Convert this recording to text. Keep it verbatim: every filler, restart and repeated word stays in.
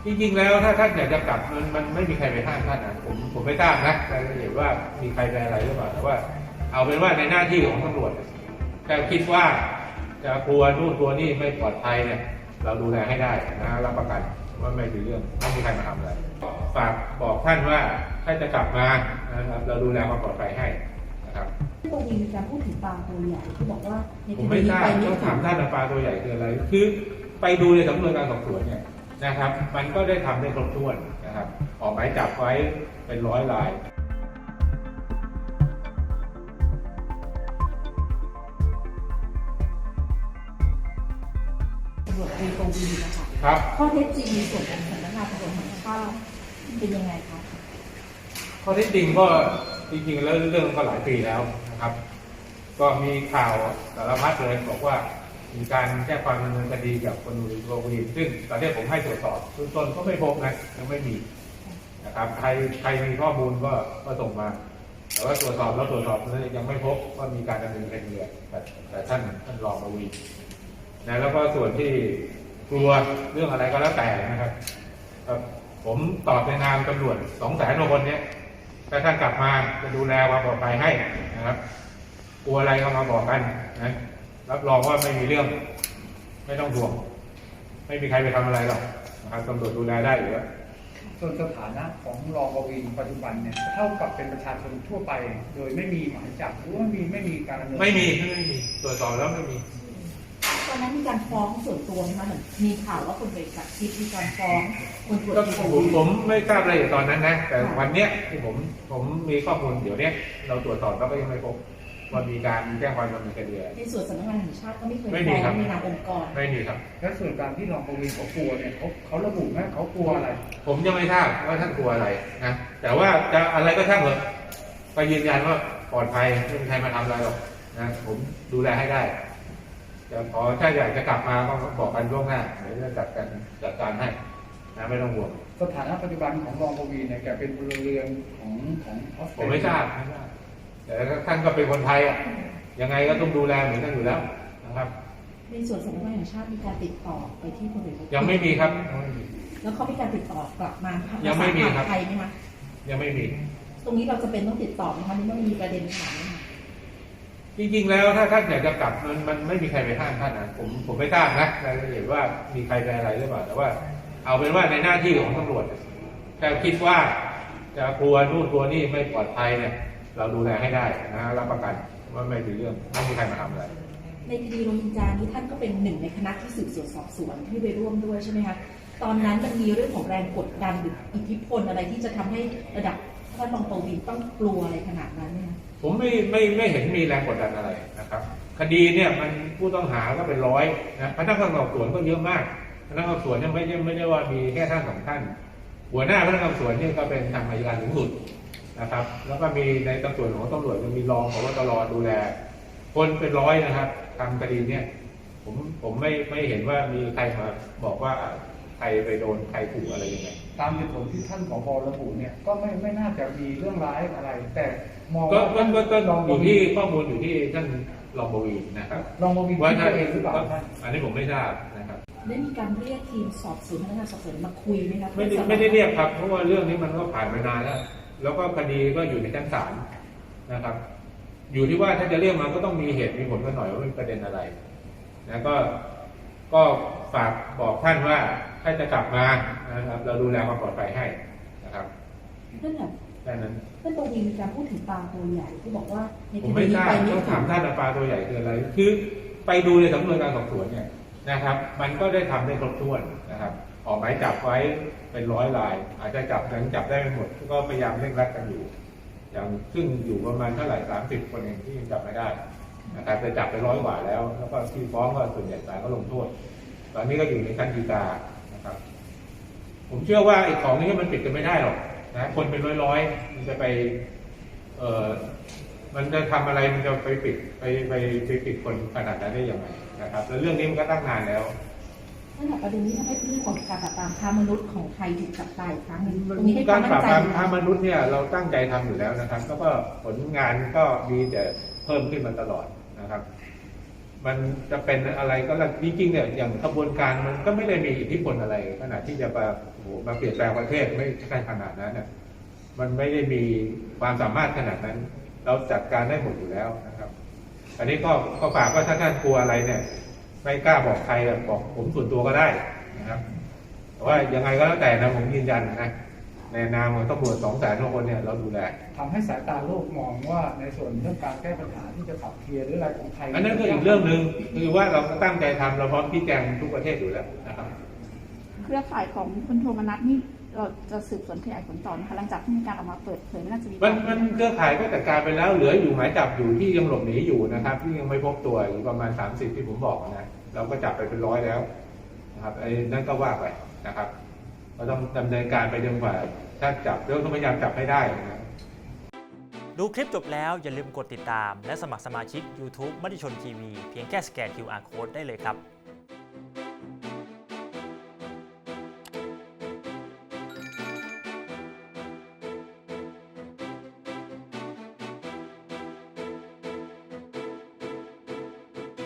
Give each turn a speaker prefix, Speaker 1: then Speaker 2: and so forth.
Speaker 1: จริงๆแล้วถ้าท่านอยากจะกลับมันมันไม่มีใครไปห้ามท่านนะผมผมไม่ทราบนะรายละเอียดว่ามีใครไปอะไรหรือเปล่าแต่ว่าเอาเป็นว่าในหน้าที่ของตำรวจแต่คิดว่าจะกลัวนู่นกลัวนี่ไม่ปลอดภัยเนี่ยเราดูแลให้ได้นะรับประกันว่าไม่มีเรื่องไม่มีใครมาทำอะไรฝากบอกท่านว่าถ้าจะกลับมานะครับเราดูแลความปลอดภัยให้นะครับ
Speaker 2: ตรงนี้มีการพูดถึงปลาตัวใหญ่ที่บอกว่า
Speaker 1: ผมไม่ทราบต้องถามท่านปลาตัวใหญ่คืออะไรคือไปดูในสำนวนการสอบสวนเนี่ยนะครับมันก็ได้ทำได้ครบถ้วนนะครับออกหมายจับไว้เป็นร้อยราย
Speaker 2: ตำรวจตรีกวีนะคะ
Speaker 1: ครับ
Speaker 2: ข้อเท็จจริงในส่วนของสำนักงานตำรวจแห่งชาติเป็นยังไงคะ
Speaker 1: ข้อเท็จจริงก็จริงๆแล้วเรื่องก็หลายปีแล้วนะครับก็มีข่าวสารพัดเลยบอกว่ามีการแจ้งความดำเนินคดีกับคนอื่นโรคดีซึ่งตอนนี้ผมให้ตรวจสอบเบื้องต้นก็ไม่พบนะยังไม่มีนะครับใครใครมีข้อมูลก็ก็ส่งมาแต่ว่าตรวจสอบแล้วตรวจสอบนั้นยังไม่พบว่ามีการดำเนินคดีแต่แต่ท่านท่านรองประวีนะแล้วก็ส่วนที่กลัวเรื่องอะไรก็แล้วแต่นะครับผมตอบในนามตำรวจสองแสนกว่าคนนี้ถ้าท่านกลับมาจะดูแลความปลอดภัยให้นะครับกลัวอะไรก็มาบอกกันนะรับรองว่าไม่มีเรื่องไม่ต้องห่วงไม่มีใครไปทำอะไรหรอกนะครับตำรวจดูแลได้อยู่แล้ว
Speaker 3: ส่วนสถานะของรองประวีณปัจจุบันเนี่ยเท่ากับเป็นประชาชนทั่วไปโดยไม่มีหมายจับหรือว่ามีไม่มีการดำเนิน
Speaker 1: ไม่มีไม่มีตรวจสอบแล้วไม่มี
Speaker 2: ตอนนั้นมีการฟ้องส่วนตัวไหมคะเหมือนมีข่าวว่าคนไปจับคลิปมีการฟ้องคนตรวจ
Speaker 1: ผมผมไม่ทราบอะไรตอนนั้นนะแต่วันเนี้ยที่ผมผมมีข้อมูลเดี๋ยวนี้เราตรวจสอบแล้วก็ยังไม่พบว่ามีการแจ้งความดำเนินคดี
Speaker 2: ในส่วนสำนักงานแห่งชาติก็ไม่เคยฟ้องในนามองค์กร
Speaker 1: ไม่มีครับ
Speaker 3: และส่วนการที่รองประวีณเขากลัวเนี่ยเขาเขาระบุไหมเขากลัวอะไร
Speaker 1: ผมยังไม่ทราบว่าท่านกลัวอะไรนะแต่ว่าจะอะไรก็ช่างเถอะก็ยืนยันว่าปลอดภัยไม่มีใครมาทำอะไรหรอกนะผมดูแลให้ได้จะขอถ้าอยากจะกลับมาก็บอกกันล่วงหน้าเดี๋ยวจะจัดการจัดการให้นะไม่ต้องห่วง
Speaker 3: สถานะปัจจุบันของรองประวีณเนี่ยแกเป็นพลเรือนของของออสเตรเลีย
Speaker 1: ผมไม่ทราบไม่ทราบแต่ท่านก็เป็นคนไทยอ่ะยังไงก็ต้องดูแลเหมือนกันอยู่แล้วนะครับ
Speaker 2: ในส่วนสำนักงานแห่งชาติมีการติดต่อไปที่คนอื่น
Speaker 1: ยังไม่มีครับ
Speaker 2: แล้วเขามีการติดต่อกลับมา
Speaker 1: ยังไม่มีครับ
Speaker 2: ไทยไหมคะ
Speaker 1: ยังไม่มี
Speaker 2: ตรงนี้เราจะเป็นต้องติดต่อไหมคะนี่มันมีประเด็นถามไหมคะ
Speaker 1: จริงๆแล้วถ้าท่านอยากจะกลับมันมันไม่มีใครไปห้ามท่านนะผมผมไม่ทราบนะรายละเอียดว่ามีใครไปอะไรหรือเปล่าแต่ว่าเอาเป็นว่าในหน้าที่ของตำรวจแต่คิดว่าจะกลัวนู่นกลัวนี่ไม่ปลอดภัยเนี่ยเราดูแลให้ได้นะรับประกันว่าไม่มีเรื่องไม่มีใครมาทำอะไร
Speaker 2: ในคดีโรฮิงญานี้ท่านก็เป็นหนึ่งในคณะที่สืบสวนสอบสวนที่ไปร่วมด้วยใช่ไหมคะตอนนั้นมันมีเรื่องของแรงกดดันหรืออิทธิพลอะไรที่จะทำให้ระดับท่านรองประวีณต้องกลัวอะไรขนาดนั้นเนี่ย
Speaker 1: ผมไม่ไม่ไม่เห็นมีแรงกดดันอะไรนะครับคดีเนี่ยมันผู้ต้องหาก็เป็นร้อยนะพนักงานสอบสวนก็เยอะมากพนักงานสอบสวนเนี่ยไม่ใช่ไม่ได้ว่ามีแค่ท่านสองท่านหัวหน้าพนักงานสอบสวนเนี่ยก็เป็นทางอัยการสูงสุดนะครับแล้วก็มีในตำรวจของตำรวจจะมีรองผบตรดูแลคนเป็นร้อยนะครับทำคดีเนี่ยผมผมไม่ไม่เห็นว่ามีใครมาบอกว่าใครไปโดนใครถูกอะไรยังไง
Speaker 3: ตามเหตุผลที่ท่านผบ.ระบุเนี่ยก็ไม่ไม่น่าจะมีเรื่องร้ายอะไรแต่มอง
Speaker 1: ก็ก็ก็อยู่ที่ข้อมูลอยู่ที่ท่านรองประวีณนะครับ
Speaker 3: รองประวีณ
Speaker 1: ว่า
Speaker 3: ท่านเองหรือเปล่า
Speaker 1: อันนี้ผมไม่ทราบนะครับ
Speaker 2: ได้มีการเรียกทีมสอบสวนพนักงานสอบสวนมาคุยไหมครับ
Speaker 1: ไม่ได้ไม่ได้เรียกครับเพราะว่าเรื่องนี้มันก็ผ่านมานานแล้วแล้วก็คดีก็อยู่ในชั้นศาลนะครับอยู่ที่ว่าถ้าจะเรียกมาก็ต้องมีเหตุมีผลกันหน่อยว่าเป็นประเด็นอะไรนะก็ก็ฝากบอกท่านว่าถ้าจะกลับมานะครับเราดูแลความปลอดภัยให้นะครับ
Speaker 2: นั่นแหละ
Speaker 1: แค่นั้น
Speaker 2: ท่านตรงนี้มีการพูดถึงปลาตัวใหญ่ที่บอกว่า
Speaker 1: ผมไม่ทราบต้องถามท่านปลาตัวใหญ่คืออะไรคือไปดูในสำนวนการสอบสวนเนี่ยนะครับมันก็ได้ทำได้ครบถ้วนนะครับออกหมายจับไว้เป็นร้อยรายอาจจะจับยังจับได้ไม่หมดก็พยายามเร่งรัดกันอยู่อย่างซึ่งอยู่ประมาณเท่าไหร่สามสิบคนเองที่ยังจับไม่ได้นะครับจะจับไปร้อยกว่าแล้วแล้วก็ที่ฟ้องก็ส่วนใหญ่ศาลก็ลงโทษตอนนี้ก็อยู่ในชั้นฎีกานะครับผมเชื่อว่าไอ้ของนี้มันปิดกันไม่ได้หรอกนะคนเป็นร้อยๆมันจะไปเอ่อมันจะทำอะไรมันจะไปปิดไปไปไปปิดคนขนาดนั้นได้ยังไงนะครับแล้วเรื่องนี้มันก็ตั้งนานแล้ว
Speaker 2: นั่นแหละประเด็นนี้ทำให้เรื่องของการปราบปรามค้ามนุษย์ของไทยถูกจับตายอีกครั้งหนึ่งตรงนี้ให้ความมั่นใจ
Speaker 1: การปราบปรามค้ามนุษย์เนี่ยเราตั้งใจทำอยู่แล้วนะครับแล้วก็ผลงานก็มีแต่เพิ่มขึ้นมาตลอดนะครับมันจะเป็นอะไรก็แล้วจริงๆเนี่ยอย่างขบวนการมันก็ไม่ได้มีอิทธิพลอะไรขนาดที่จะมาโอ้โหมาเปลี่ยนแปลงประเทศไม่ใช่ขนาดนั้นเนี่ยมันไม่ได้มีความสามารถขนาดนั้น เราจัดการได้หมดอยู่แล้วนะครับ อันนี้ก็ก็ฝากว่าถ้าท่านกลัวอะไรเนี่ยไม่กล้าบอกใครบอกผมส่วนตัวก็ได้นะครับแต่ว่ายังไงก็แล้วแต่นะผมยืนยันนะในนามของตำรวจสองแสนคนเนี่ยเราดูแล
Speaker 3: ทำให้สายตาโลกมองว่าในส่วนเรื่องการแก้ปัญหาที่จะขับเคลียร์หรืออะไรของไทย
Speaker 1: อันนั้นก็อีกเรื่องหนึ่งคือว่าเราตั้งใจทำเราพร้อมชี้แจงทุกประเทศอยู่แล้วนะครับ
Speaker 4: เครือข่ายของคุณโทมนัสนี่เราจะสืบสวนขยายผลต่อนะคะหลังจากที่มีการออกมาเปิดเผยน่าจะมี
Speaker 1: มันมันเครือข่ายก็จัดการไปแล้วเหลืออยู่หมายจับอยู่ที่ยังหลบหนีอยู่นะครับที่ยังไม่พบตัวอยู่ประมาณสามสิบที่ผมบอกนะเราก็จับไปเป็นร้อยแล้วนะครับไอ้นั่นก็ว่าไปนะครับเราต้องดำเนินการไปจนกว่าถ้าจับเรื่องต้องพยายามจับให้ได้นะ
Speaker 5: ดูคลิปจบแล้วอย่าลืมกดติดตามและสมัครสมาชิก ยูทูบ มติชนทีวีเพียงแค่สแกน คิว อาร์ Code ได้เลยครับ